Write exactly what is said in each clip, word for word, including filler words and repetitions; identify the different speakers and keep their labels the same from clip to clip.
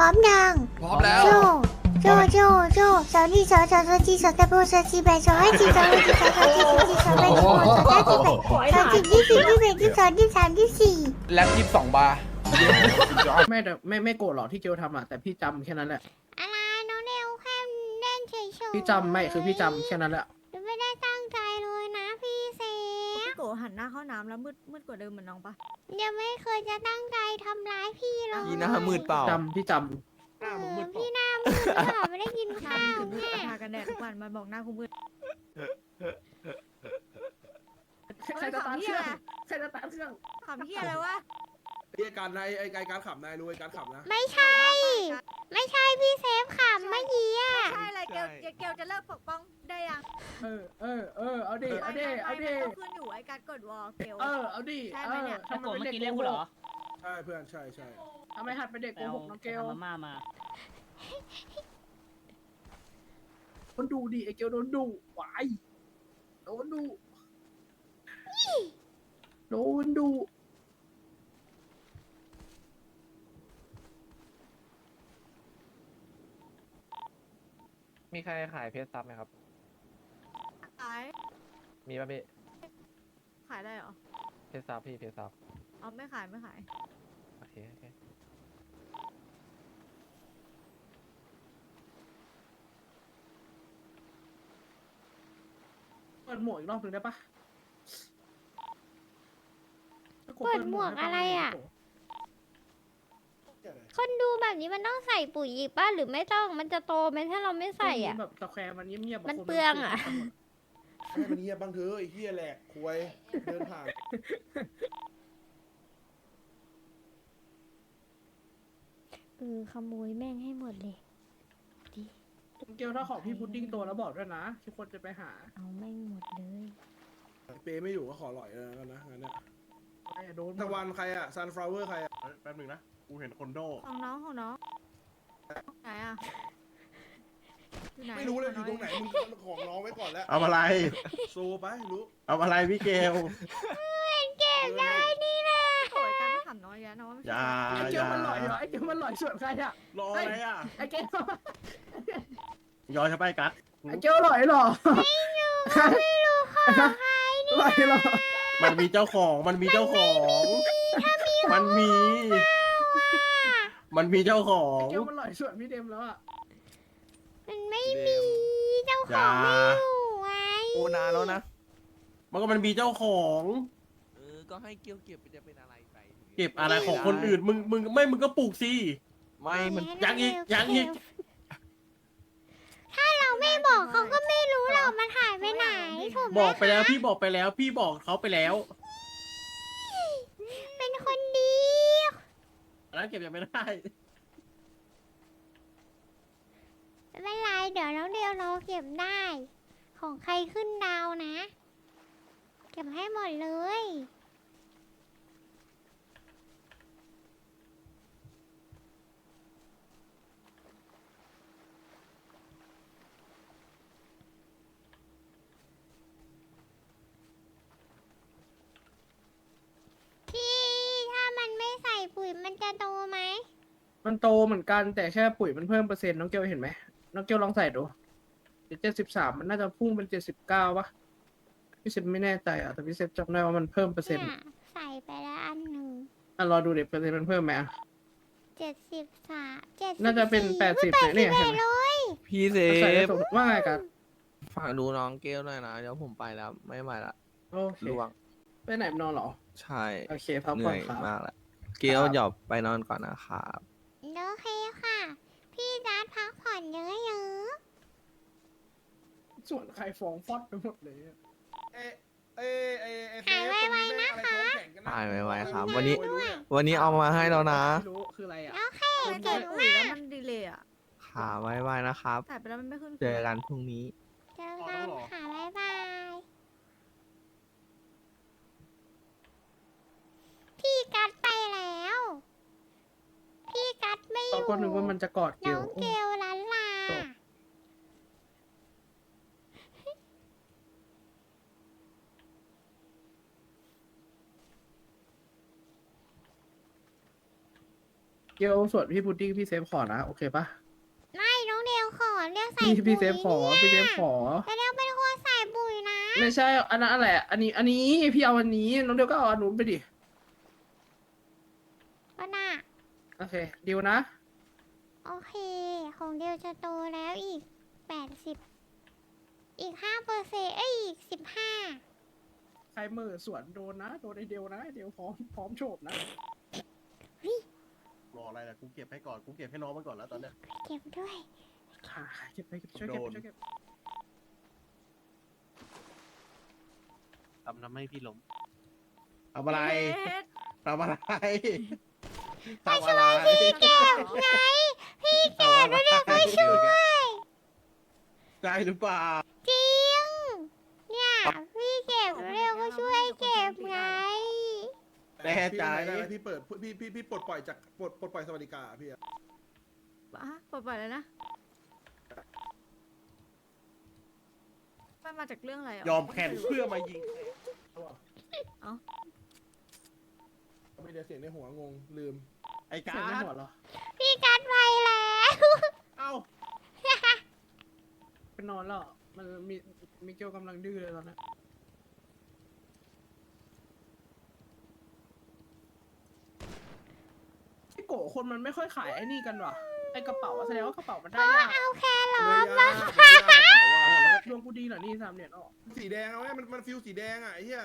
Speaker 1: ร้อมยัง
Speaker 2: พร้อมแล้ว
Speaker 1: โจโจโจโจสาวนี่สาวสาวสาวจีสาวตะโบสาวจีแบสาวให้จีสาวให้จีสาวสาวจีสาวจีสาวแบสาวสาวจีแบสาวจีที่สี่ที่แบที่สองที่สามที่สี่
Speaker 2: แล็บยี่สิบสองบาร์
Speaker 3: ไม่แต่ไม่ไม่โกรธหรอกที่เกลทำอ่ะแต่พี่จำแค่นั้นแหละ
Speaker 1: อะไรน้องเนวแค่เล่นเฉยๆ
Speaker 3: พี่จำไม่คือพี่จำแค่นั้นแหละ
Speaker 1: หนูไม่ได้ตั้งใจเลยนะพี่เซฟ
Speaker 4: พี่โกหันหน้าเข้าน้ำแล้วมืดมืดกว่าเดิมเหมือนน้องปะ
Speaker 1: ยังไม่เคยจะตั้งใจทำร้ายพี่เลย
Speaker 2: ยีหน้ามืดเปล่า
Speaker 3: จำพี่จ
Speaker 1: เออพี่หน้ามืดเปล่าไม่ได้กิน
Speaker 4: หน้า
Speaker 1: ข้าว
Speaker 4: คุณมืด
Speaker 1: แม่
Speaker 4: ทากันแดดทุกวันมันบอกหน้าคุณมืด
Speaker 3: ำใครจะตามเครื่องใครจะตามเครื่อง
Speaker 4: ขำเฮียอะไรวะ
Speaker 5: ไอ้การนายไอ้การขับนายรู้ไอ้การขับนะ
Speaker 1: ไม่ใช่ ไม่ใช่พี่เซฟขำเมื่อกี้อะ
Speaker 4: ใช่อะไรเกลเกลจะเลิกปกป้องได้ยัง
Speaker 3: เออเออเออเอาดิเอาดิเอาดิ
Speaker 4: มันขึ้นอยู่ไอ้การกดวอลเกล
Speaker 3: เออเอาดิเออทำไมเป็นเด็กโกหก
Speaker 5: ใช่เพื่อนใช่ใช่
Speaker 3: ทำไมหัดเป็นเด็กโกหกน้องเกล
Speaker 6: มาม่ามา
Speaker 3: คนดูดิไอเกลโดนดุวายโดนดุโดนดุ
Speaker 7: มีใครขายเพชรซับไหมครับ
Speaker 4: ขาย
Speaker 7: มีป่ะพี่
Speaker 4: ขายได้เหรอ
Speaker 7: เพชรซับพี่เพชรซับ
Speaker 4: เอาไม่ขายไม่ขาย
Speaker 7: โอเคโอเค
Speaker 3: เปิดหมวกอีกรอบหนึ่งได้ปะ
Speaker 1: เปิดหมวกอะไรอ่ะ คนดูแบบนี้มันต้องใส่ปุ๋ยอีกป่ะหรือไม่ต้องมันจะโตไหมถ้าเราไม่ใส่อ่ะ
Speaker 3: แบบตะแคร์มันเงียบๆ
Speaker 1: มันเปลืองอะ
Speaker 5: ให้มันเงียบบ้างเถอะไอ้เหี้ยแหลกควยเดินผ่าน
Speaker 1: เออขโมยแม่งให้หมดเลยดิ
Speaker 3: เกลถ้าของพี่พุดดิ้งตัวแล้วบอกด้วยนะทุกคนจะไปหา
Speaker 1: เอาแม่งหมดเลย
Speaker 5: เปย์ไม่อยู่ก็ขอหล่อยแล้วกันนะงั้นเนี่ย
Speaker 3: ไอ้โดน
Speaker 5: ตะวันใครอะซันฟลาวเวอร์ใครอะ
Speaker 8: แป๊บหนึงนะ กูเห็นคนโด
Speaker 4: ของน้องของน้องไหนอ่ะอยู่หน
Speaker 5: ไม่รู้เลยอยู่ตรงไหนมึงของน้องไว้ก่อนแล้ว
Speaker 8: เอาอะไร
Speaker 5: โซไปรู้
Speaker 8: เอาอะไรพี่เกล
Speaker 1: เก็บได้นี่นะ
Speaker 4: โอยการไม่ขำน้อยแยะน้อง
Speaker 8: อย่า
Speaker 3: ไอ้
Speaker 8: อ
Speaker 3: เกล
Speaker 8: ย่า
Speaker 3: มันหล่อยเหรอไอ้เกลมันหล่อยส่วนใครอะ
Speaker 8: รออะไรอ่ะ
Speaker 3: ไอ้เกล
Speaker 8: ย้อนเข้าไปกัด
Speaker 3: ไอ้เกลหล่อยเหรอ
Speaker 1: ไม่รู้เขาไม่รู้ของใครนี่
Speaker 3: หล่อยเหรอ
Speaker 8: มันมีเจ้าของ มันมีเจ้าของ มันมี มันมีเจ้าของ
Speaker 3: เกลมันหล่อยส่วนพี่เดมแล้วอะ
Speaker 1: มันไม่มีเจ้าของไม่อยู่ไง
Speaker 2: โอนานแล้วนะ
Speaker 8: มันก็มันมีเจ้าของ
Speaker 2: เออ ก็ให้เกี่ยวเก็บไปจะเป็นอะไรไป
Speaker 8: เก็บอะไรของคนอื่น มึง มึง ไม่ มึงก็ปลูกสิ
Speaker 2: ไม่มัน
Speaker 8: ยังอีกยังอีก
Speaker 1: ถ้าเราไม่บอกเขาก็ไม่รู้หรอกมันหายไปไหนถูกไหม
Speaker 8: บอกไปแล้ว พี่บอกไปแล้ว พี่บอกเขาไปแล้ว
Speaker 1: เป็นคนดี
Speaker 8: อันนั้นเก็บยังไม่ได้
Speaker 1: ไม่เป็นไรเดี๋ยวน้องเดียวเราเก็บได้ ของใครขึ้นดาวนะ เก็บให้หมดเลย พี่ถ้ามันไม่ใส่ปุ๋ยมันจะโตไหม
Speaker 3: มันโตเหมือนกันแต่แค่ปุ๋ยมันเพิ่มเปอร์เซ็นต์น้องเกลเห็นไหมน้องเกลลองใส่ดูเจ็ดสิบสามมันน่าจะพุ่งเป็นเจ็ดสิบเก้าปะพี่เซฟไม่แน่ใจอ่ะแต่พี่เซฟจำได้ว่ามันเพิ่มเปอร์เซ็นต์
Speaker 1: เนี่ยใส่ไปแล้วอันหนึ่ง
Speaker 3: อ่ะรอดูเด็กเปอร์เซ็นต์มันเพิ่มไหมอ่ะ
Speaker 1: เจ็ดสิบสามเจ็ด
Speaker 3: น่าจะเป็นแปดสิบเนี่ยเนี่ยเห็นไหม
Speaker 1: เลย
Speaker 2: พี่เซ
Speaker 3: ใส่ได้
Speaker 2: ฟ
Speaker 3: สมว่าไงกัน
Speaker 2: ฝากดูน้องเกลหน่อยนะ เดี๋ยวผมไปแล้ว ไม่ไหวละ
Speaker 3: โอเค
Speaker 2: ล่วง
Speaker 3: ไปไหนนอนเหรอ
Speaker 2: ใช่
Speaker 3: โอเคพัก
Speaker 2: เห
Speaker 3: ผ่
Speaker 2: นื่
Speaker 3: อน
Speaker 2: อย
Speaker 3: ครับ
Speaker 2: มากแล้ว เกลหยอบไปนอนก่อนนะครับ
Speaker 1: โอเคค่ะ พี่จัดพักผ่อนเยอะ
Speaker 3: ส่วนใครฟ้องฟอดไปหมดเลยอะ
Speaker 5: เอ้เอ้เอ้เอ้เซฟตรงนี้แม่งอะไรท้องแข็งกันนะ
Speaker 2: หายไวๆครับ
Speaker 5: ไม่
Speaker 2: วันนี้
Speaker 5: ไม่รู้เนี่ย
Speaker 2: วันนี้เอามาให้แล้วนะ
Speaker 3: ไม่รู้คืออะไรอ่ะ
Speaker 1: ๆโอเค
Speaker 4: มัน
Speaker 1: เก่ง
Speaker 4: ปุ๋ย
Speaker 1: มา
Speaker 4: แล้ว
Speaker 1: ก
Speaker 4: มันดีเลยอ่ะ
Speaker 2: ขาไว้ๆนะครับ
Speaker 4: ใส่ไปแล้วมันไม่ขึ้น
Speaker 2: เจอกันพรุ่งนี้
Speaker 1: เจอกันค่ะ บ๊ายบาย พี่กัดไปแล้ว พี่กัดไม่อ
Speaker 3: ตอน
Speaker 1: ยู่
Speaker 3: ก็นึกว่ามันจะกอดเก
Speaker 1: น้
Speaker 3: ล
Speaker 1: องเกลล้านลา
Speaker 3: จบ ยกลส่วนพี่พุดดิ้งพี่เซฟขอนะโอเคปะ
Speaker 1: ไม่น้องเดียวขอเรียกใส่
Speaker 3: พี่
Speaker 1: ปุ๋ย
Speaker 3: พี่เซฟขอพี่เซฟขอ
Speaker 1: แต่เดียวเป็นคนใส่ปุ๋ยนะ
Speaker 3: ไม่ใช่อันนั้นอะไรอันนี้ อันนี้พี่เอาอันนี้น้องเดียวก็เอาอันนู้นไปดิ
Speaker 1: ก็น่ะ
Speaker 3: โอเคดีลนะ
Speaker 1: โอเค ของเดียวจะโตแล้วอีกแปดสิบอีกห้าเปอร์เซ็นต์เอ้ยอีกสิบห้า
Speaker 3: ใครมือสวนโดนนะโดนไอเดียวนะไอ้เดียวพร้อมพร้อมโฉบนะ
Speaker 8: รออะไรล่ะกูเก็บให้ก่อนกูเก็บให้น้องมันก่อนแล้วตอนเนี้ย
Speaker 1: เก็บด้วย
Speaker 3: อ่าเก็บไปเก็บช่วยเก็บ
Speaker 8: โดน
Speaker 3: ช่วยเก็บ
Speaker 7: ทำทำให้พี่ล้ม
Speaker 8: ทำอะไร
Speaker 4: เฮ็ด
Speaker 8: ทำอะไร
Speaker 1: ไปช่วยพี่เก็บไง พี่เก็บแล้วเดี๋ยวไปช่วย
Speaker 8: ได้หรือเปล่า
Speaker 1: จริง เนี่ย พี่เก็บแล้วเดี๋ยวก็ช่วยเก็บไง
Speaker 8: แน่ใจ
Speaker 5: พี่ได้แล้วพี่เปิดพี่พี่พี่ปลดปล่อยจากปลดปลดปล่อยสวัสดิการอะพี่อะ
Speaker 4: อ่ะปลดปล่อยเลยนะมันมาจากเรื่องอะไรอ่ะ
Speaker 8: ยอมแข่งเพื่อมายิง
Speaker 5: ไม่ได้เสียงในหัวงงลืม
Speaker 8: ไอ้กา
Speaker 3: เสียงไม่
Speaker 8: ร
Speaker 3: หัวเหรอ
Speaker 1: พี่กัดไปแล้ว
Speaker 8: เอ้า
Speaker 3: ไปนอนแล้วเหรอมันมีมิเกลกำลังดื้อเลยตอนนี้ไอ้โกะคนมันไม่ค่อยขายไอ้นี่กันว่ะไอ้กระเป๋าอะแสดงว่ากระเป๋ามันได้ยาก
Speaker 1: เอาแค่รอ
Speaker 5: เนื้
Speaker 1: บ
Speaker 5: อย่าง
Speaker 1: มา
Speaker 5: เนื้อย่างกระเป๋าอะ
Speaker 3: ดวงกูดีเหรอนี่สามเหรียญออก
Speaker 5: สีแดงเอาไว้มันมันฟิวสีแดงอะไอ้เหี้ย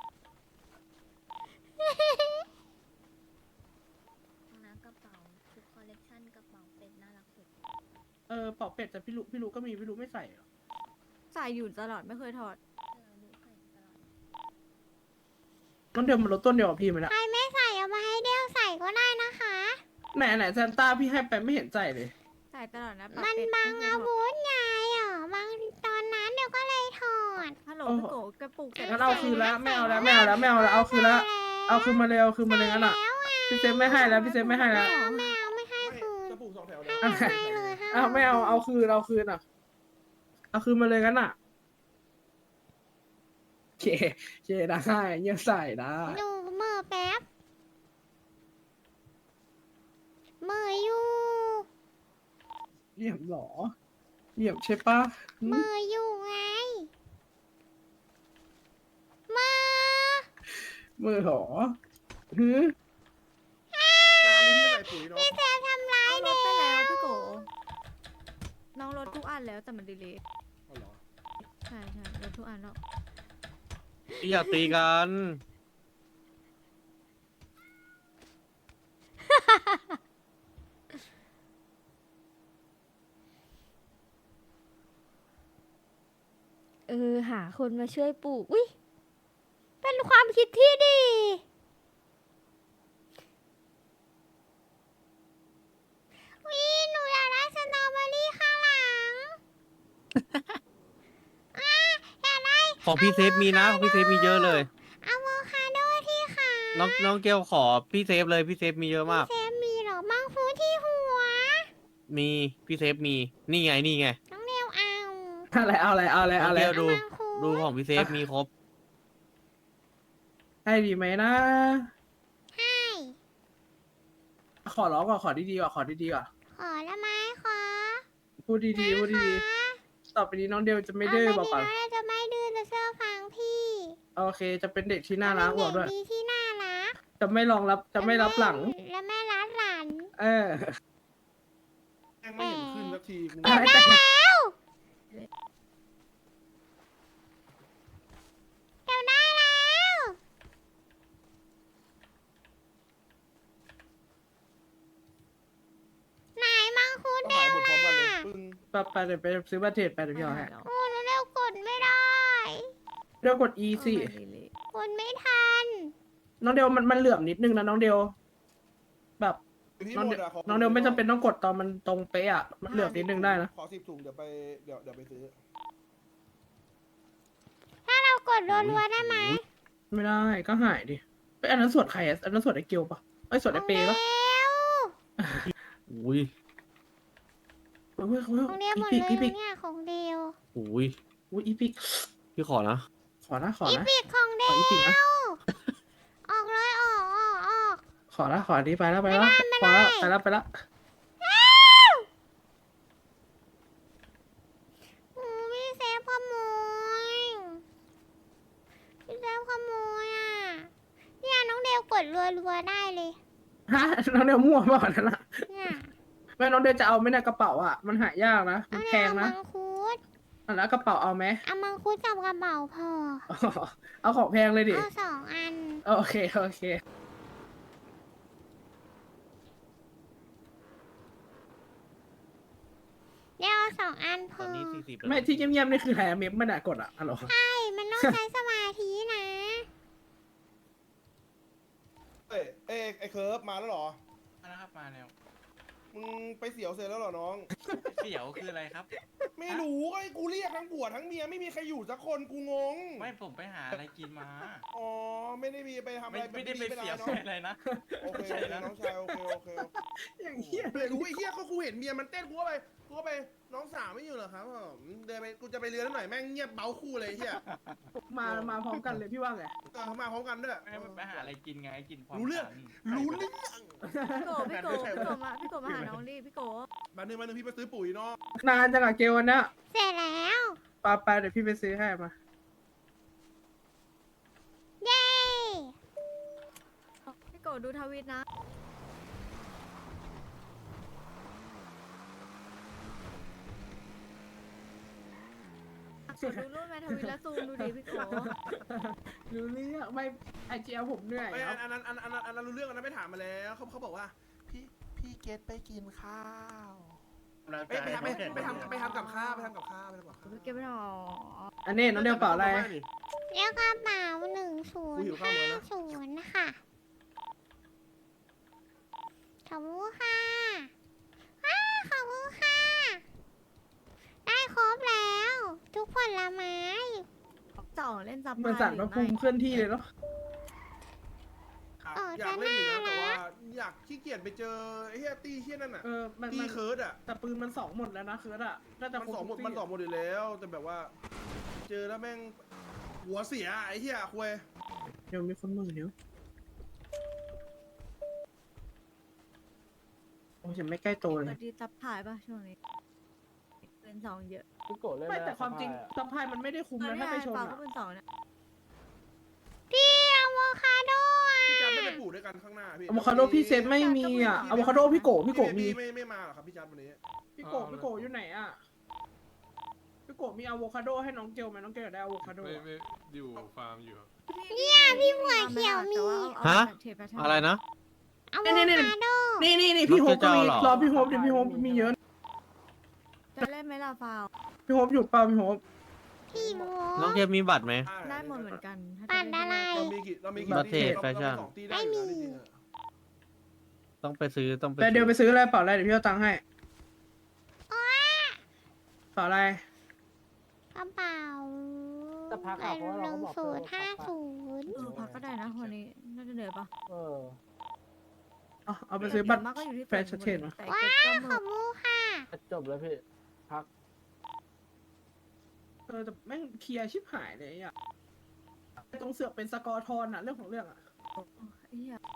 Speaker 6: นะกระเป๋าทุกคอลเลกชันกระเป๋าเป็ดน่ารักสุด
Speaker 3: เออเป๋าเป็ดแต่พี่ลูกพี่ลูกก็มีพี่ลูกไม่ใส่เหรอ
Speaker 4: ใส่อยู่ตลอดไม่เคยถอด
Speaker 6: เออดูใส่ตลอด
Speaker 3: น้องเดียวมันลดต้นเดียวกับพี่ไหมนะ
Speaker 1: ใครไม่ใส่เอามาให้เดียวใส่ก็ได้นะคะ
Speaker 3: ไหนไหนซานต้าพี่ให้ไปไม่เห็นใส่เลย
Speaker 4: ใส่ตลอดนะ
Speaker 1: มัน
Speaker 4: เป็ด
Speaker 1: บัง
Speaker 4: ไเคย
Speaker 1: อา
Speaker 4: ถอด
Speaker 1: วุธไงอ่ะบางตอนนั้นเดี๋ยวก็เลยถอด
Speaker 4: ฮัลโหลพี่โกกระปุกใส่
Speaker 3: งั้นเอาคืนแล้วไม่เอาแล้วไม่เอาแล้วไม่เอาแล้วเอาคืนแล้วเอาคืนมาเลยเอาคืนมาเลยงั้นอ่ะพี่เซฟไม่ให้แล้วพี่เซฟไม่ให้แล้ว
Speaker 1: ไม่เอาไม่ให้
Speaker 5: ไม่
Speaker 1: คืน
Speaker 5: จะปลูกสองแถว
Speaker 1: ไม่ให้เลยค่ะ
Speaker 3: อ้าวไม่เอาเอาคืนเอาคืนอ่ะเอาคืนมาเลยงั้นอ่ะเคเคได้ยังใส่ได้
Speaker 1: ดูมือแป๊บมืออยู่
Speaker 3: เหลี่ยมเหรอเหลี่ยมใช่ปะหึ
Speaker 1: มืออยู่ไงมือ
Speaker 3: มือเหรอฮึ
Speaker 5: น้ำนี่พี่ใส่ปุ๋ยเนาะ
Speaker 1: พี่แซมทำร้าย
Speaker 4: น้องล
Speaker 1: เด็
Speaker 4: ดไปแล้ว
Speaker 1: ก
Speaker 4: พี่โกน้องลดทุกอันแล้วแต่มันดีเลย
Speaker 5: เอาเหรอ
Speaker 4: ใช่ใช่ลดทุกอันแล้ว
Speaker 7: อย่าตีกัน
Speaker 1: เออหาคนมาช่วยปลูกอุ้ยเป็นความคิดที่ดีวิหนูอยากได้สตรอเบอรี่ข้างหลัง อ่ะอยากได้
Speaker 7: ของพี่เซฟมีนะของพี่เซฟมีเยอะเลย
Speaker 1: อะโวคาโดที่ขา
Speaker 7: น้องน้องเกลขอพี่เซฟเลยพี่เซฟมีเยอะมาก
Speaker 1: เซฟมีเหรอมังฟูที่หัว
Speaker 7: มีพี่เซฟมีนี่ไงนี่ไง
Speaker 1: น้องเดียวเอา
Speaker 3: อะไรเอาอะไรเอาอะไรเอาอะไร
Speaker 7: เดี๋ยวดู
Speaker 1: มังฟู
Speaker 7: ดูของพี่เซฟมีครบ
Speaker 3: ให้ดีไหมนะ
Speaker 1: ให้
Speaker 3: ขอร้องก่อนขอดีๆก่อนขอดีๆก่อน
Speaker 1: ขอละไม้ขอ
Speaker 3: พูดดีๆพูดดีๆต่อไปนี้น้องเดียวจะไม่ดื้อบอกก่อน
Speaker 1: เาไปดีนะจะไม่ดื้อจะเชื่อฟังพี่
Speaker 3: โอเค จะเป็นเด็กที่น่ารักบอกด้วย
Speaker 1: เป็นเด็กดีที่น่ารัก
Speaker 3: จะไม่รองรับจะไม่รับหลัง
Speaker 1: และแม่รัดหลัน
Speaker 3: เออ
Speaker 5: แม่งไม่เห็นขึ้นสักทีกู
Speaker 3: ได้แต่
Speaker 1: แล้วเดี๋ยวได้แล้วไหนมังคุด
Speaker 5: ต้อง
Speaker 1: เดี
Speaker 5: หาย
Speaker 1: ยว
Speaker 5: หมดพร้อมกันเลย
Speaker 1: อ่ะ
Speaker 5: ปึ้ง
Speaker 3: ไปไปเดี๋ยวไปซื้อบัตรเทรดไปเดี๋ยวพี่เอาให้
Speaker 1: โอ้แล้วเร็วกดไม่ได้
Speaker 3: เดี๋ยวกด E สิ
Speaker 1: กดไม่ทัน
Speaker 3: น้องเดียวมันมันเหลื่อมนิดนึงนะน้องเดียวแบบ
Speaker 5: ที่
Speaker 3: น้อง
Speaker 5: หม
Speaker 3: เดียว
Speaker 5: ดะข
Speaker 3: น้องเดียวไม่จำเป็นต้องกดตอนมันตรงเป๊ะอะมันเหลื่อมนิดนึงได้นะ
Speaker 5: ขอสิบถุงเดี๋ยวไปเดี๋ยวเดี๋ยวไปซื้อ
Speaker 1: ถ้าเรากดรัวๆได้ไหม
Speaker 3: ไม่ได้ก็หายดิไปอันนั้นสวดใครอะอันนั้นสวดไอเกียวปะไอยสวดไอเปย์ปะ
Speaker 1: เร็ว
Speaker 7: อุ้ย
Speaker 3: เฮ้ยเฮ้ยเฮ้ย
Speaker 1: ของเดียวหมด
Speaker 3: อี
Speaker 1: เลย
Speaker 3: พิกอีพิก
Speaker 1: เนี่ยของเดียว
Speaker 7: อุ้ย
Speaker 3: อุ้ยอีพิก
Speaker 7: พี่ขอนะ
Speaker 3: ขอนะขอ
Speaker 1: อี
Speaker 3: นะ
Speaker 1: ปิกของเดี
Speaker 3: ข
Speaker 1: ย
Speaker 3: อ
Speaker 1: ว
Speaker 3: อีพิกนะ
Speaker 1: ออกเลยออกออกออก
Speaker 3: ขขอละขออันนี้ไปแล้วไปแล้วขอแล้วไปแล้วไปแล้ว
Speaker 1: โอ้พี่เซฟขโมยพี่เซฟขโมยอ่ะเนี่ยน้องเดวกดรัวๆได้เลย
Speaker 3: ฮะน้องเดียวมั่วเปล่านั่นน่ะ
Speaker 1: เนี่ย
Speaker 3: แม่น้องเดียวจะเอาไหมเนะกระเป๋าอ่ะมันหายากนะมั
Speaker 1: เอา
Speaker 3: นแพ
Speaker 1: เนี่ย
Speaker 3: ง
Speaker 1: เอามั
Speaker 3: นะ
Speaker 1: งคุด
Speaker 3: อ่ะแล้วกระเป๋าเอาไหม
Speaker 1: เอามังคุดกับกระเป๋าพอ
Speaker 3: อ๋อเอาของแพงเลยดิ
Speaker 1: เอาสองอัน
Speaker 3: โอเคโอเค
Speaker 1: เดี๋ยวเอาสองอันพ
Speaker 7: ตอ
Speaker 1: อน
Speaker 7: นี้สี่สิบ
Speaker 3: ไม่ที่เงียบๆนี่คือแฮมเมฟมันอะกดอะอะไรอ
Speaker 1: ใช่มันต้องใช้สมาธินะ
Speaker 5: เอ้ยเอ้ยไอ้เคิร์ฟมาแล้วเหรอ
Speaker 8: นะครับมาแล้ว
Speaker 5: มึงไปเสียวเสร็จแล้วเหรอน้อง
Speaker 8: เสี่ยวคืออะไรครับ
Speaker 5: ไม่รู้ก็ไอ้กูเรียกทั้งผัวทั้งเมียไม่มีใครอยู่สักคนกูงง
Speaker 8: ไม่ผมไปหาอะไรกินมา
Speaker 5: อ๋อไม่ได้มีไปทำอะ
Speaker 8: ไม่
Speaker 5: ไร
Speaker 8: ไม่ได้ไปเสี่ยว
Speaker 5: เนาะ
Speaker 8: อะไรนะ
Speaker 5: โอเค
Speaker 8: ใช่นะ
Speaker 5: น้องชายโอเคโอเคโอเค
Speaker 3: อย่างเงี้ย
Speaker 5: ไม่รู้ไอ้เหี้ยก็กูเห็นเมียมันเต้นกูก็ไปกูก็ไปน้องสาวไม่อยู่เหรอครับผมเดินไปกูจะไปเรือหน่อยแม่งเงียบเบ้าคู่เลยไอ้เหี้ย
Speaker 3: มามาพร้อมกันเลยพี่ว่าไง
Speaker 5: เออเขามาพร้อมกันด้วย
Speaker 8: ไม่ไปหาอะไรกินไงกินพร้อม
Speaker 5: รู้เรื่อง
Speaker 8: กัน
Speaker 5: รู้เรื่อง
Speaker 4: พี่โกพี่โกพี่โกมาพี่โกมาหาน้องดิพี่โก
Speaker 5: มาหนึ่งมาหนึ่งพี่ไปซื้อปุ๋ยเนาะ
Speaker 3: นานจังอะเกลวันเนี้ย
Speaker 1: เสร็จแล้ว
Speaker 3: ไปไปเดี๋ยวพี่ไปซื้อให้มา
Speaker 1: เย้
Speaker 4: พี่โกดูทวิตนะดูรูปแมทวิตแล้วซูมดูดิพี่โก
Speaker 3: รู้เรื่องไม่ไอเจียผมเหนื่อย
Speaker 5: ไม่
Speaker 3: ค
Speaker 5: อั
Speaker 3: รับ
Speaker 5: นอันอันอันอันอันนั้นรู้เรื่องอันนั้นไม่ถามมาแล้วเขาเขาบอกว่าพี่พี่เกตไปกินข้าวไปไปทำไปไปทำไปทำกับข้าวไปทำกับข้าวไปทำกับข้าว
Speaker 4: พี่เก็บไม่หรอ
Speaker 3: อันนี้น้องเดียวเปล่าอะไร
Speaker 1: เรียกกระเป๋าหนึ่งศูนย์ห้าศูนย์ค่ะขอบคุณค่ะอ้าขอบคุณค่ะ ได้ครบแล้ว ทุกผลไม้
Speaker 4: สองเล่นซับ
Speaker 3: เหมือนสั่นพระภูมิเคลื่อนที่เลยเนาะ
Speaker 1: เออ
Speaker 5: อยากเล่นอยู่นะ
Speaker 1: จะน่า
Speaker 5: แต่ว่า
Speaker 1: นะ
Speaker 5: อยากขี้เกียจไปเจอไอ้เฮียตี้เฮียนั่นอ่ะ
Speaker 3: เออมัน
Speaker 5: ตี้
Speaker 3: มัน
Speaker 5: เคิร์ดอ่ะ
Speaker 3: แต่ปืนมันสองหมดแล้วนะเคิร์ดอะน่าจะ
Speaker 5: มัน
Speaker 3: ครบ
Speaker 5: สองหมด
Speaker 3: ทุก
Speaker 5: มัน
Speaker 3: ที่
Speaker 5: สองหมดอยู่แล้ว แต่แบบว่า เจอแล้วแม่งหัวเสียไอ้เฮียคุย
Speaker 3: เดี๋ยวมีคนมือเดี๋ยวโอ้ยยังไม่ใกล้โตเลย
Speaker 4: เปิดดีซับถ่ายป่ะช่วงนี้เป็นสองเยอะ
Speaker 3: ไม่แต่ความจริงซัพพลายมันไม่ได้คุ้มนะถ้าไปชน
Speaker 4: เปล่า
Speaker 3: อะ
Speaker 4: ก็เป็นสองเนี่ย
Speaker 1: พี่อะโวคาโดอ่ะ
Speaker 5: พี่จันไม่ไปปลูกด้วยกันข้างหน้าพี่
Speaker 3: อะโวคาโดพี่เซฟไม่มีอะอะโวคาโดพี่โกพี่โกมี
Speaker 5: ไม่ไม่มาหรอครับพี่จันวันนี้
Speaker 3: พี่โกพี่โกอยู่ไหนอะพี่โกมีอะโวคาโดให้น้องเกลไหมน้องเกลอยากได้อะโวคาโด
Speaker 9: ไม่
Speaker 3: อะ
Speaker 9: ไม่อยู่ฟาร์มอยู่ครับ
Speaker 1: เนี่ยพี่หัวเขียวมี
Speaker 7: ฮะ
Speaker 4: เทปแพทเทิร์น
Speaker 7: อะไรนะ
Speaker 1: อะโวคาโด
Speaker 3: นี่นี่นี่พี่โฮปก็มี
Speaker 7: น้องเกลจะเอาเหรอ
Speaker 3: รอพี่โฮปเดี๋ยวพี่โฮปมีเยอะ
Speaker 4: จะเล่นไหมล่ะฟาว
Speaker 3: พี่โฮปอยู่เปล่าพี่โฮป
Speaker 1: พี่โม
Speaker 7: น้องเกมมีบัตรไหม
Speaker 4: ได้หมดเหมือนกันถ้า
Speaker 1: ปั่น
Speaker 4: จ
Speaker 1: อะไร
Speaker 5: เรามีกี่เรามีกี่
Speaker 7: บัตรเทรดแฟชั่น
Speaker 5: เราสองตีได้อยู่นะจริงๆอะ
Speaker 7: ต้องไปซื้อต้องไป
Speaker 3: แต่เดี๋ยวไป
Speaker 7: ซื้อ
Speaker 3: ซื้ออะไรเปล่าอะไรเดี๋ยวพี่เอาตังค์ให้เปล่าอะไร
Speaker 1: กระเป๋าหนึ่งศูนย์ห้าศูนย์
Speaker 4: เออพักก็ได้นะวันนี้น่าจะเหนื่อยปะ
Speaker 3: เอาเอาไปซื้อบัตร
Speaker 4: มากก็อยู่ที่
Speaker 3: แฟชั่นเทรดมา
Speaker 4: แต่
Speaker 1: ว้า
Speaker 4: เก็บก็หม
Speaker 1: ขอ
Speaker 4: ด
Speaker 1: บคุณค่ะ
Speaker 8: จบแล้วพี่
Speaker 3: เออแต่แม่งเคลียร์ชิบหายเลยอ่ะตรงเสือกเป็นสกอร์ทอนอะเรื่องของเรื่องอะ
Speaker 4: ไอ้เหี้ย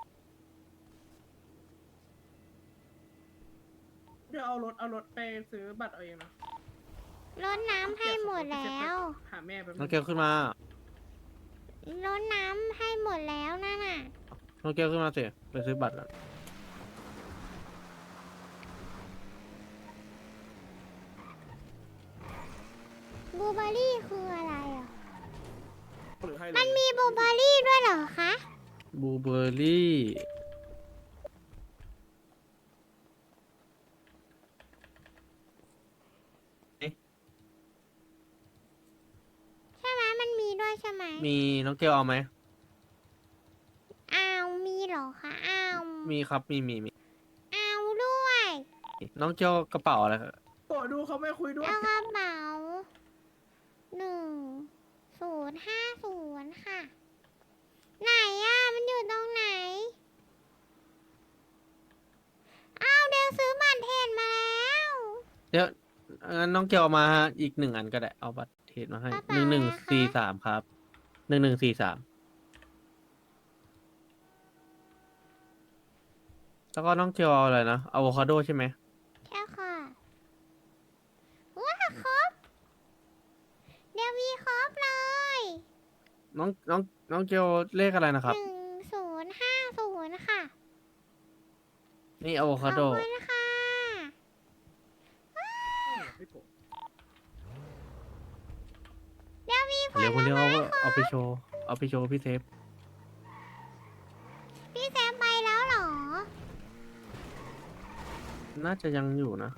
Speaker 3: เดี๋ยวเอารถเอารถไปซื้อบัตรเอาเองนะ
Speaker 1: รดน้ำให้หมดแล้ว
Speaker 3: หาแม่ไปบ
Speaker 7: น้องเกลขึ้นมา
Speaker 1: รดน้ำให้หมดแล้วนั่นน่ะ
Speaker 7: น้องเกลขึ้นมาสิไปซื้อบัตรอะ
Speaker 1: บลูเบอร์รี่คืออะไรอ่ะ
Speaker 5: หรือให้เลย
Speaker 1: มันมีบลูเบอร์รี่ด้วยเหรอคะ
Speaker 7: บลูเบอร์รี่
Speaker 1: ใช่ไหมมันมีด้วยใช่ไหม
Speaker 7: มีน้องเกลเอาไหม
Speaker 1: อ้าวมีเหรอคะอ้าว
Speaker 7: มีครับมีมีมี
Speaker 1: อ้าวด้วย
Speaker 7: น้องเกลกระเป๋าอะไรครับ
Speaker 3: โกรธดูเขาไม่คุยด้วย
Speaker 1: แล้วกระเป๋าหนึ่งศูนย์ห้าศูนย์ค่ะ ไหนอ่ะ มันอยู่ตรงไหน อ้าวเดี๋ยวซื้อบัตรเทรดมาแล้ว
Speaker 7: เดี๋ยวงั้นน้องเกลเอามาอีกหนึ่งอันก็ได้เอาบัตรเทรดมาให้
Speaker 1: กระ
Speaker 7: ห
Speaker 1: เป๋า
Speaker 7: นึ่งหนึ่ง
Speaker 1: อะไรคะ
Speaker 7: สี่สามครับ หนึ่งหนึ่งสี่สามแล้วก็น้องเกียวเอาอะไรนะอะโวคาโดใช่ไหม
Speaker 1: แค่ค่ะว้าครบเดี๋ยวมีครบเลย
Speaker 7: น้องน้องน้องเกียวเลขอะไรนะค
Speaker 1: ห
Speaker 7: รับ
Speaker 1: นึ่งศูนย์ห้าศูนย์ค่ะ
Speaker 7: นี่อะโว
Speaker 1: ขอ
Speaker 7: คา
Speaker 1: บ
Speaker 7: โด
Speaker 1: คุณค่ะ
Speaker 3: พี่โก
Speaker 1: เดี๋ยวมีผ
Speaker 7: เดี๋ยวคน
Speaker 1: ล
Speaker 7: เดียว
Speaker 1: ไม้
Speaker 7: เอาเอาไปโชว์เอาไปโชว์พี่เซฟ
Speaker 1: พี่แซมไปแล้วเหรอ
Speaker 7: น่าจะยังอยู่นะ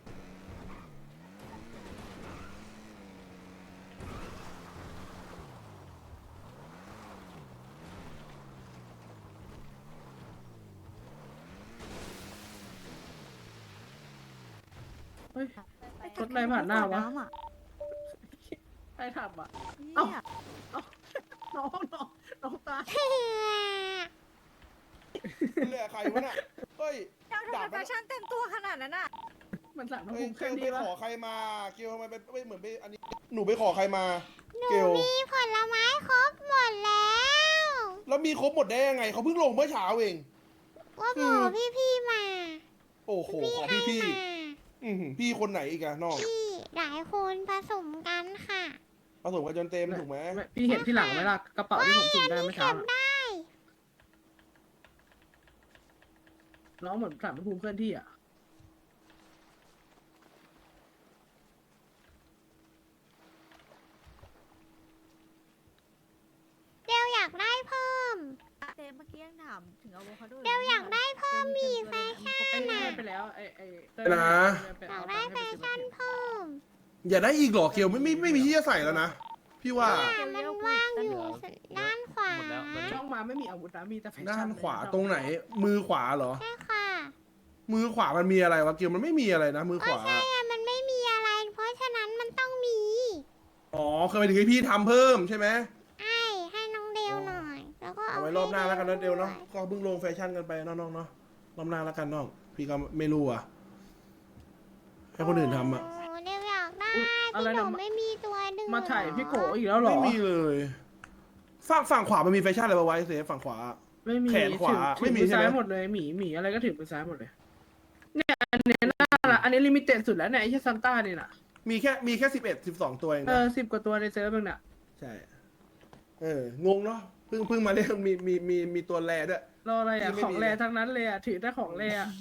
Speaker 3: เฮ้ย รถอะไรผ่านหน้าวะ ใครทำอ่ะ เอ้า เอ้า น้องน้องน้องตาย
Speaker 5: เหลือใครวะน่ะเฮ้ย
Speaker 4: เจ้าทำไมแฟชั่นเต็มตัวขนาดนั้นอ่ะ
Speaker 3: มันสั่งมา
Speaker 5: เฮ้ย
Speaker 3: คุม
Speaker 5: เก
Speaker 3: เครื่อ
Speaker 5: ล
Speaker 3: ง
Speaker 5: ไป
Speaker 3: ดี
Speaker 5: ข
Speaker 3: วะ
Speaker 5: อใครมาเกลทำไมไปไปเหมือนไปอันนี้หนูไปขอใครมา
Speaker 1: หนู
Speaker 5: เกล
Speaker 1: มีผลไม้ครบหมดแล้ว
Speaker 5: แล้วมีครบหมดได้ยังไงเขาเพิ่งลงเมื่อเช้าเอง
Speaker 1: ว่าบอกพี่ๆมา
Speaker 5: โอ้โหขอ
Speaker 1: ให้
Speaker 5: พี่พี่
Speaker 1: มา
Speaker 5: อือหือพี่คนไหนอีกอะน้อง
Speaker 1: พี่หลายคนผสมกันค่ะ
Speaker 5: ผสมกันจนเต็มถูกไหม
Speaker 3: ไม่พี่เห็นที่หลังไหมล่ะ กระเป๋าที่ผมสุ่มได้เมื่อเช้า
Speaker 1: เก็บ
Speaker 3: อะ
Speaker 1: ได้
Speaker 3: น้องเหมือนสั่งมาคุมเคลื่อนที่อ่ะ
Speaker 1: เดี๋ยวอยากได้เพิ่ม
Speaker 4: เต้เมื่อกี้ยังถามถึงอะโวคาโด
Speaker 1: เดี๋ยวอยากได้เพิ่มมีแฟชั่น
Speaker 3: ไอ้นี่
Speaker 1: น่ะ
Speaker 3: ให้ไปแล้วไอ้ไอ้เต้ย
Speaker 5: นะ
Speaker 3: ไป
Speaker 1: อยา
Speaker 3: เอา
Speaker 1: กได้
Speaker 3: ตังค์
Speaker 1: แฟ
Speaker 3: ให้ไปซื้อ
Speaker 1: ชั่น
Speaker 3: มาเก็บ
Speaker 1: เพิ่ม
Speaker 5: อย่าได้อีกเหรอเกลไม่ไม่ไม่มีที่จะใส่แล้วนะ พี่ว่า
Speaker 1: เนี่ยมันว่างอยู่ด้านขวา
Speaker 7: หมดแล้วตอนนี้
Speaker 3: ช่องมาไม่มีอาวุธนะมีแต่แฟชั่น
Speaker 5: ด้านขวา
Speaker 3: เลย
Speaker 5: ตรงไหน มือขวาเหรอ
Speaker 1: ใช่ค่ะ
Speaker 5: มือขวามันมีอะไรวะเกลมันไม่มีอะไรนะ มือขวา
Speaker 1: ใช่อะมันไม่มีอะไร เพราะฉะนั้นมันต้องมี
Speaker 5: อ๋อเคยไปถึงให้พี่ทำเพิ่มใช่ไหม
Speaker 1: ไอ้ให้น้องเดวหน่อย แล้วก็
Speaker 5: เอา
Speaker 1: เอา
Speaker 5: ไว้รอบหน้าแล้วกันนะเดวเนาะก็เพิ่งลงแฟชั่นกันไปเนาะน้องเนาะรอบหน้าแล้วกันน้องพี่ก็ไม่รู้อ่ะให้คนอื่นทำอ่ะ
Speaker 1: โเดวอยากได้
Speaker 3: อุ๊ยอะไร
Speaker 1: พี่ห
Speaker 3: นะ
Speaker 1: นูไม่มีตัวดึง
Speaker 3: มาถ่ายพี่โกอีกแล้วเหรอ
Speaker 5: ไม่มีเลยฝั่งฝั่งขวามันมีแฟชั่นอะไรมาไว้เซฟฝั่งขวา
Speaker 3: ไม่มี
Speaker 5: แขนขวา
Speaker 3: ถือ
Speaker 5: ไม่มี
Speaker 3: ถือ
Speaker 5: ใช่ไหม
Speaker 3: ซ้ายหมดเลยหมีหมีอะไรก็ถือมือซ้ายหมดเลย เนี่ยอันนี้น่าละอันนี้ลิมิเต็ดสุดแล้วเนี่ยไอ้เช่ซันต้านี่น่ะ
Speaker 5: มีแค่มีแค่สิบเอ็ดสิบสองตัวเอง
Speaker 3: เอ
Speaker 5: นะ
Speaker 3: อสิบกว่าตัวในเซิร์ฟเองน่ะ
Speaker 5: ใช่ เอองงเนาะเพิ่งเพิ่งมาเล่นมีมีมีมีตัวแรด้วย
Speaker 3: รออะไรอ่ะ
Speaker 5: ที่ไม่
Speaker 3: ของ
Speaker 5: มี
Speaker 3: แร
Speaker 5: เลย
Speaker 3: ทั้งนั้นเลยอ่ะถือได้ของแรอ่ะ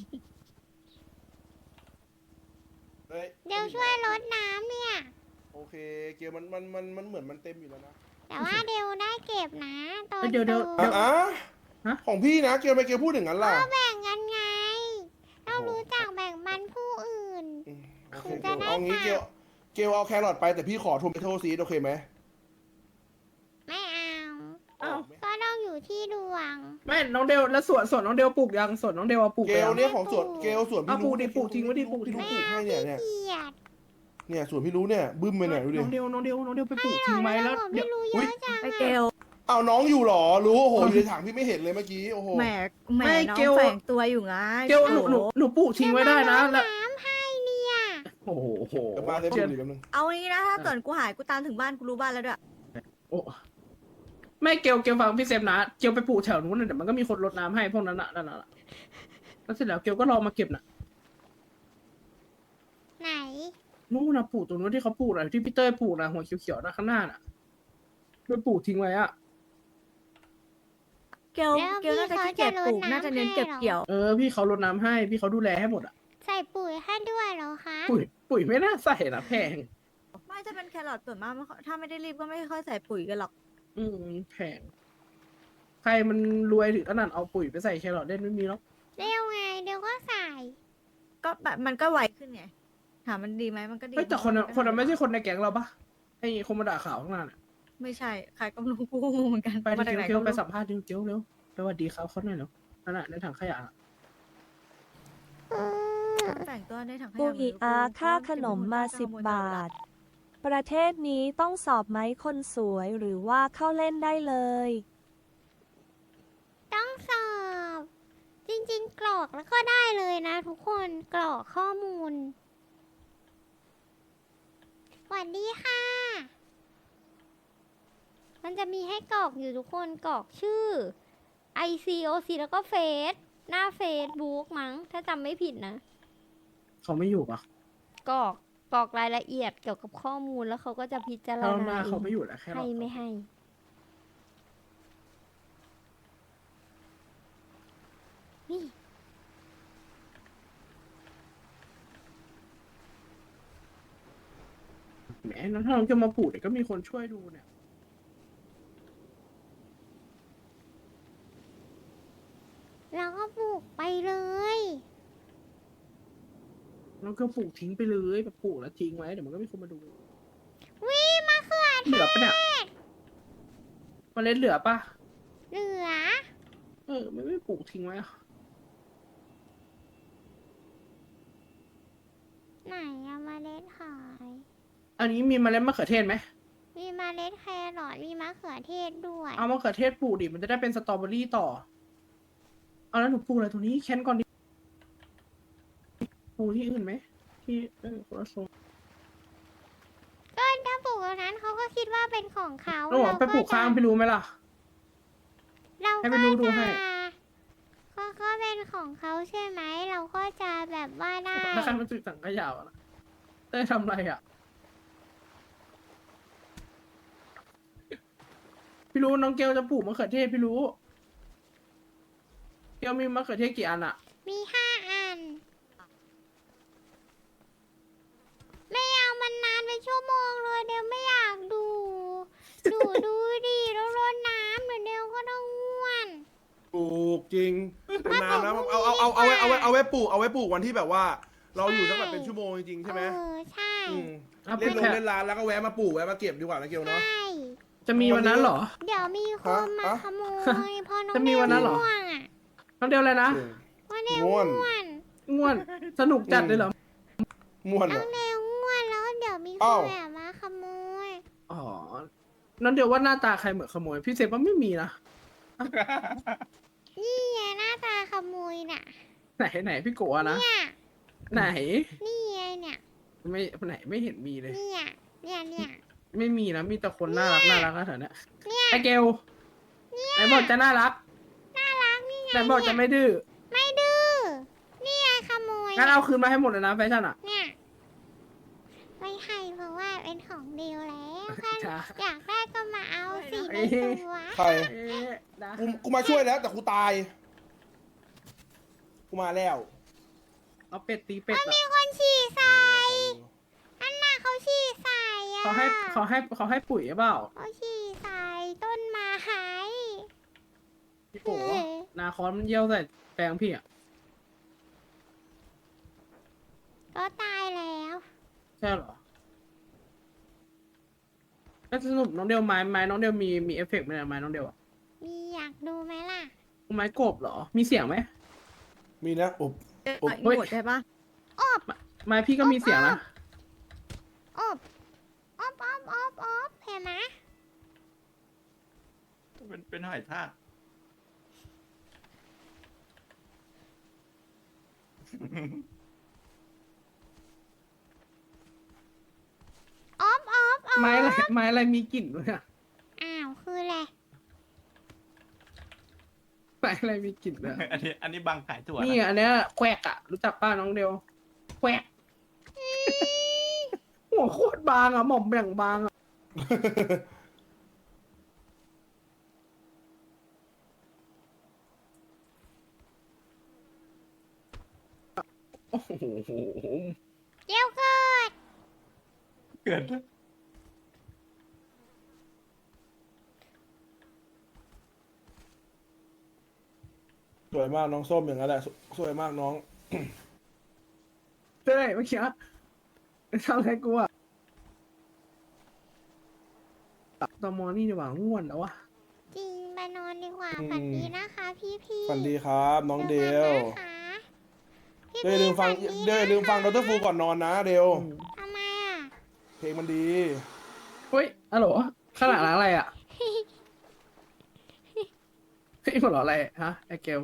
Speaker 5: เฮ้ย
Speaker 1: เดวช่วยลดน้ำเนี่ย
Speaker 5: โอเคเกมมันมันมันมันเหมือนมันเต็มอยู่แล้วนะ
Speaker 1: แต่ว่าเดวได้เก็บนะตอน
Speaker 3: เดี๋ยวเดี๋ยว
Speaker 1: ดู
Speaker 5: อ่ะอ่ะ
Speaker 3: ฮะ
Speaker 5: ของพี่นะเกลไปเกลพูดถึงนั้นล่ะ
Speaker 1: ก็แบ่งกันไง เรา
Speaker 5: โอ้โห
Speaker 1: รู้จักแบ่งปันผู้อื่น
Speaker 5: อืมโอเค
Speaker 1: คุณ
Speaker 5: เก
Speaker 1: จะ
Speaker 5: ล
Speaker 1: ได้
Speaker 5: เอางี้
Speaker 1: ค่ะ
Speaker 5: เกลเกลเอาแครอทไปแต่พี่ขอทูมเทโทซีดโอเคไหม
Speaker 1: ไม่เอา
Speaker 3: อ้าว
Speaker 1: ก็ต้องอยู่ที่ดวง
Speaker 3: ไม่น้องเดวแล้วสวนสวนน้องเดวปลูกยังสวนน้องเดวเอาปลูก
Speaker 5: เก
Speaker 3: ไป
Speaker 5: ล
Speaker 3: ยัง
Speaker 5: เนี่ยของสวนเกลสวน
Speaker 3: เอา
Speaker 5: พี่
Speaker 3: ปลู
Speaker 5: รู้
Speaker 3: กดิปลูกทิ้งไว้ดิปลูก
Speaker 5: พี่รู้
Speaker 3: ทิ้ง
Speaker 5: ปลูกให้เนี่ยเนี่ย
Speaker 1: เกลียด
Speaker 5: เนี่ยสวนพี่รู้เนี่ยบึ้มไปไหนดูดิ
Speaker 3: น้องเดวน้องเดวน้องเดวไปปลูกทิ้งไว้แล้ว
Speaker 1: ผม
Speaker 3: เดี๋
Speaker 1: ไม่
Speaker 3: ยว
Speaker 1: รู้เย
Speaker 5: อุ๊ย
Speaker 1: อะจัง
Speaker 4: ไป
Speaker 1: อะ
Speaker 4: เกล
Speaker 5: เอาน้องอยู่เหรอรู้โอ้โหอยู่ในถังพี่ไม่เห็นเลยเมื่อกี้โอ้โห
Speaker 4: แหมแหม
Speaker 3: ไม่
Speaker 4: น้อง
Speaker 3: เกล
Speaker 4: แฝงตัวอยู่ไง
Speaker 3: เกลหนูหนูหนูปลูกทิ้งไว้ได้นะแล้ว
Speaker 1: น้ำให้เนี่ย
Speaker 3: โอ้โห
Speaker 5: เดี๋ยวมาเซฟ
Speaker 3: เชื่อ
Speaker 5: ดูดิแป๊บนึง
Speaker 4: เอางี้นะถ้าเกิดกูหายกูตามถึงบ้านกูรู้บ้านแล้วด้วย
Speaker 3: โอ้ไม่เกลเกลฟังพี่เซฟนะเกลไปปลูกแถวนู้นน่ะเดี๋ยวมันก็มีคนรดน้ำให้พวกนั้นน่ะนั่นน่ะแล้วเสร็จแล้วเกลก็รอมาเก็บน่ะ
Speaker 1: ไหน
Speaker 3: นู่นนะปลูกตรงนู้นที่เขาปลูกน่ะที่พี่เต้ยปลูกนะหัวเขียวๆนะข้างหน้าน่ะไปปลูกทิ้งไว้อะ
Speaker 4: เกลเกลน่าจะขี้เกียจปลูกน่าจะเน้นเก็บเกี่ยว
Speaker 3: เออพี่เขารดน้ำให้พี่เขาดูแลให้หมดอ่ะ
Speaker 1: ใส่ปุ๋ยให้ด้วยเหรอคะ
Speaker 3: ปุ๋ยปุ๋ยไม่น่าใส่นะแพง
Speaker 4: ไม่จะเป็นแครอทส่วนมากไม่ค่อยถ้าไม่ได้รีบก็ไม่ค่อยใส่ปุ๋ยกันหรอก
Speaker 3: อืมแพงใครมันรวยถึงขนาดเอาปุ๋ยไปใส่แครอทได้ไม่มีหรอก
Speaker 1: เร็วไงเดี๋ยวก็ใส่
Speaker 4: ก็แบบมันก็ไวขึ้นไงถามมันดีไหมมันก็ดี
Speaker 3: เฮ้ยแต่คนนั้นคนนั้นไม่ใช่คนในแก๊งเราปะไอ้คนมาด่าข่าวข้างหน้าน่ะ
Speaker 4: ไม่ใช่ใครก็ไม่รู้กูก็งงเหมือนกัน
Speaker 3: ไป
Speaker 4: มา
Speaker 3: ที่
Speaker 4: จากไหน
Speaker 3: เกียว
Speaker 4: ก็
Speaker 3: ไป
Speaker 4: ไม่
Speaker 3: สั
Speaker 4: รู้
Speaker 3: มภาษณ์ดิเกียวเร็วสวัสดีครับเขาหน่อยเร็วนั่นน่ะในถังขยะน่ะ
Speaker 4: แต่งตัวในถังข
Speaker 10: ปู
Speaker 4: ยะ
Speaker 10: อีอาค่าขนมมาสิบบาท ประเทศนี้ต้องสอบไหมคนสวยหรือว่าเข้าเล่นได้เลย
Speaker 1: ต้องสอบ จริงๆ กรอกแล้วก็ได้เลยนะทุกคนกรอกข้อมูลสวัสดีค่ะ มันจะมีให้กรอกอยู่ทุกคนกรอกชื่อ ไอ ซี โอ ซี แล้วก็เฟซ
Speaker 6: หน้าเฟซบุ๊กมั้ง ถ้าจำไม่ผิดนะ
Speaker 3: เขาไม่อยู่ปะ
Speaker 6: กรอกกรอกรายละเอียดเกี่ยวกับข้อมูลแล้วเขาก็จะพิจาร
Speaker 3: ถ้าห
Speaker 6: ณา
Speaker 3: น้า
Speaker 6: เอ
Speaker 3: เขา
Speaker 6: ง
Speaker 3: ไม่อยู่แล้วแค่
Speaker 6: ให้ไม่ให้ นี่
Speaker 3: แหมแล้วถ้าน้องจะมาปลูกเดี๋ยวก็มีคนช่วยดูเนี่ย
Speaker 1: เราก็ปลูกไปเลย
Speaker 3: น้องก็ปลูกทิ้งไปเลยแบบปลูกแล้วทิ้งไว้เดี๋ยวมันก็มีคนมาดู
Speaker 1: วิมะเขือ
Speaker 3: เหลือปะเนี่ยเมล็ดเหลือปะ
Speaker 1: เหลือ
Speaker 3: เออไม่ไม่ปลูกทิ้งไว้อะ
Speaker 1: ไหนอะเมล็ดหาย
Speaker 3: อันนี้มีเมล็ดมะเขือเทศไหม
Speaker 1: มีเมล็ดแครอทมีมะเขือเทศด้วย
Speaker 3: เอามะเขือเทศปลูกดิมันจะได้เป็นสตรอเบอรี่ต่อ เอาแล้วหนูปลูกอะไรตรงนี้แคนก่อนดิปลูกที่อื่นไหมที่เออคนละโซน
Speaker 1: ก็ถ้าปลูกตรงนั้นเขาก็คิดว่าเป็นของเขา
Speaker 3: แล้วบอกไปปลูกข้างพี่รู้ไหมล่ะ
Speaker 1: เรา
Speaker 3: ให้
Speaker 1: ก็
Speaker 3: ไปดูดูให้
Speaker 1: จะก็ก็เป็นของเขาใช่ไหม เราก็จะแบบว่าได้
Speaker 3: ถ้าใครมันจุดสังขยาวอะเต้ยทำอะไรอ่ะ พี่รู้น้องเกลจะปลูกมะเขือเทศพี่รู้ เกลมีมะเขือเทศกี่อันอ่ะ
Speaker 1: มีห้าอัน ไม่เอามันนานเป็นชั่วโมงเลยเดี๋ยวไม่อยากดู ดูดูดิแล้วรดน้ำเดี๋ยวเดี๋ยวก็ต้องง่วน
Speaker 5: ปลูกจริงนานนะเอาเอาเอาเอาไว้เอาไว้เอาไว้ปลูกเอาไว้ปลูกวันที่แบบว่า เราอยู่สักแบบเป็นชั่วโมงจริงๆใช่ไหม
Speaker 1: เออใช่
Speaker 5: อืม
Speaker 3: อ่ะ
Speaker 5: เล่นล
Speaker 3: แค่
Speaker 5: งเล่นร้านแล้วก็แวะมาปลูกแวะมาเก็บดีกว่านะเกล
Speaker 1: ใช่
Speaker 5: เนาะ
Speaker 3: จะมีวันนั้นเหรอ
Speaker 1: เดี๋ยวมีคนมา
Speaker 5: ฮะ
Speaker 1: ขโมยพอน้อง
Speaker 3: จะมีวันนั้นเหรอ
Speaker 1: ง่วงอ่ะ
Speaker 3: น้องเดียวเลยนะ
Speaker 1: วันเดียว
Speaker 5: ง่วน
Speaker 1: ง่วน
Speaker 3: ง่วน สนุกจัดเลยเหรอ
Speaker 5: ม่วน
Speaker 1: น้อ
Speaker 5: อ่ะ
Speaker 1: งเดียวง่วนแล้วเดี๋ยวมีค
Speaker 5: อ้าน ว
Speaker 1: แบบมาขโมย
Speaker 3: อ๋อ น้องเดียวว่าหน้าตาใครเหมือนขโมย พี่เซฟว่าไม่มีนะ
Speaker 1: นี่ไงหน้าตาขโมยน่ะ
Speaker 3: ไหนไหนพี่โกะนะ
Speaker 1: เนี่ย
Speaker 3: ไหน
Speaker 1: นี่ไงเนี่ย
Speaker 3: ไม่ไหนไม่เห็นมีเลย
Speaker 1: เนี่ยเนี่ยเนี่ย
Speaker 3: ไม่มีนะ มีแต่คนน่ารักน่ารักนะแถวเนี้ย
Speaker 1: เนี่ย
Speaker 3: ไอเกลไหนบอกจะน่ารัก
Speaker 1: น่ารักนี่ไง
Speaker 3: ไหนบอกจะไม่ดื้อ
Speaker 1: ไม่ดื้อ นี่ไงขโมย
Speaker 3: งั้นเอาคืนมาให้หมดเลยนะแฟชั่นอ่ะ
Speaker 1: เนี่ยไม่ให้เพราะว่าเป็นของเดียวแล้วค่ะ
Speaker 3: จ้า
Speaker 1: อยากได้ก็มาเอาสิ
Speaker 3: เอ้
Speaker 1: ใน
Speaker 3: ย
Speaker 1: ตัว
Speaker 5: ใคร
Speaker 3: เอ๊ะนะ
Speaker 5: กูกูมาช่วยแล้วแต่กูตาย กูมาแล้ว
Speaker 3: เอาเป็ดตีเป็ดอะ
Speaker 1: มีคนฉี่ใส่อันน่ะเขาฉี่ใส่อะ
Speaker 3: เขาให้เขาให้เขาให้ปุ๋ยหรือเปล่า
Speaker 1: เขาฉี่ใส่ต้นไม้
Speaker 3: พี่โกะนาคอนมันเยี่ยวใส่แปลงพี่อ่ะ
Speaker 1: ก็ตายแล้ว
Speaker 3: ใช่เหรอแล้วสรุปน้องเดียวไม้ไม้น้องเดียวมีมีเอฟเฟกต์ไหมเนี่ยไม้น้องเดียวอะ
Speaker 1: มีอยากดูไหมล่ะ
Speaker 3: ไม้กบเหรอ มีเสียงไหม
Speaker 5: มีนะอบ
Speaker 4: เอ๊ะ
Speaker 5: โอ้
Speaker 4: หมดใช่ปะ
Speaker 3: ไม้พี่ก็มีเสียงนะ
Speaker 1: อบอบอบอบอบเห็นไหม
Speaker 8: เป็นเป็นหอยทาก
Speaker 1: อบอบอบ
Speaker 3: ไม้อะไรไม้อะไรมีกลิ่นด้วยอะ
Speaker 1: อ้าวคืออะไร
Speaker 3: ไม้อะไรมีกลิ่นด้วยอะ
Speaker 8: อันนี้อันนี้บางขายถั่ว
Speaker 3: นี่
Speaker 8: นะ
Speaker 3: อันเนี้ยแควกอะรู้จักป้าน้องเดียวแควกหัวโคตรบางอะหม่อมแบ่งบางอะโอ้โห
Speaker 1: เดี๋ยวเกิด
Speaker 8: เกิด
Speaker 5: สวยมากน้องส้มอย่างนั้นแหละสสวยมากน้อง
Speaker 3: เต้ยเมื่อกี้ทำอะไรกูอะตอมอนี่ดีกว่าง่วนแล้ววะ
Speaker 1: จริงไปนอนดีกว่า
Speaker 5: อืม
Speaker 1: ฝันดีนะคะพี่พี่
Speaker 5: ฝันดีครับน้องเดล
Speaker 1: พี่
Speaker 5: เดลลืมฟังเดลลืมฟังดรฟูก่อนนอนนะเดล
Speaker 1: ทำไมอ่ะ
Speaker 5: เพลงมันดี
Speaker 3: เฮ้ยอะโหลขนาดอะไรอะเฮ้ยหัวเราะอะไรฮะไอเกล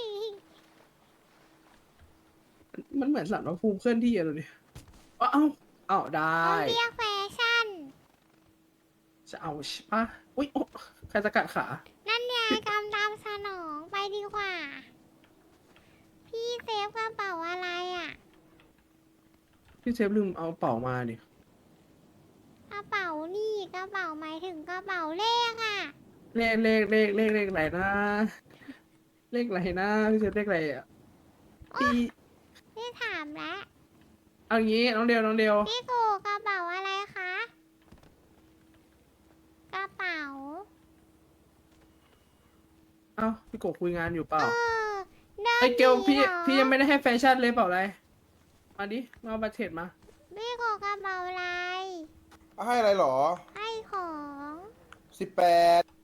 Speaker 3: มันเหมือนสัตว์ว่าภูมิเคลื่อนที่อะดูดิเอ้าเอ้าเอ้าได้
Speaker 1: เขาเรียกแฟชั่น
Speaker 3: จะเอาใช่ปะอุ้ยโอ๊ะใครจะกัดขา
Speaker 1: นั่นไงกำตามสนองไปดีกว่าพี่เซฟกระเป๋าอะไรอ่ะ
Speaker 3: พี่เซฟลืมเอาเป๋ามาดิ
Speaker 1: กระเป๋านี่กระเป๋าหมายถึงกระเป๋าเลขอ่ะ
Speaker 3: เลขเลขเลขเลขเลขอะไรนะ เลขอะไรนะพี่เซฟเลขอะไรอ่ะพี่
Speaker 1: พี่ถามแล้ว
Speaker 3: เอางี้น้องเดียวน้องเดียว
Speaker 1: พี่โกกระเป๋าอะไรคะ กระเป๋า
Speaker 3: เอ้าพี่โกคุยงานอยู่เป
Speaker 1: เอ
Speaker 3: ล่า
Speaker 1: อเดิน
Speaker 3: ไอเกลพี่
Speaker 1: หนีเหรอ
Speaker 3: พี่ยังไม่ได้ให้แฟชั่นเลยเปล่าอะไร มาดิ มาเอาบัตรเทรดมา
Speaker 1: พี่โกกระเป๋าอะไร
Speaker 8: ให้อะไรหรอ
Speaker 1: ให้ของ
Speaker 8: สิบแปด